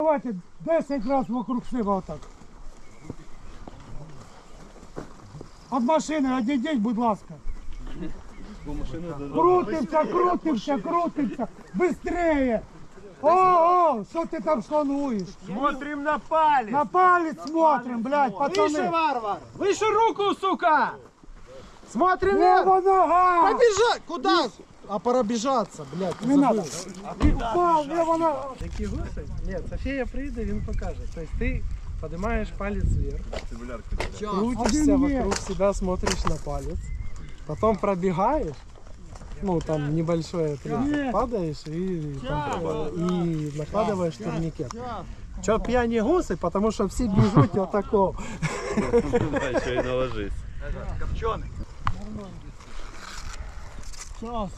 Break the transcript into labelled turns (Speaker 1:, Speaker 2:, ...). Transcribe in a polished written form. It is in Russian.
Speaker 1: Давайте 10 раз вокруг себе отак. От машини одійдіть, будь ласка. Крутимся, крутимся, крутимся. Быстрее. О, что ты там слонуешь?
Speaker 2: Смотрим на палец.
Speaker 1: На палец смотрим, блядь,
Speaker 2: Выше,
Speaker 1: пацаны.
Speaker 2: варвар. Выше руку, сука. Смотрим
Speaker 1: Лево нога.
Speaker 2: Побежать. Куда? А пора бежаться, блядь.
Speaker 1: Не надо. Упал, лево нога.
Speaker 3: Які гуси? Ні, Софія прийде, він покаже. Тобто ти піднімаєш палець вверх, крутишься
Speaker 1: Один
Speaker 3: вокруг себя, смотришь на палец, потом пробегаешь, ну там небольшой отрезок, падаешь и накладываешь турникет. Чё пьяні гуси? Потому что все бежут вот такого.
Speaker 4: Еще и наложись.
Speaker 2: Копченый.
Speaker 1: Сейчас.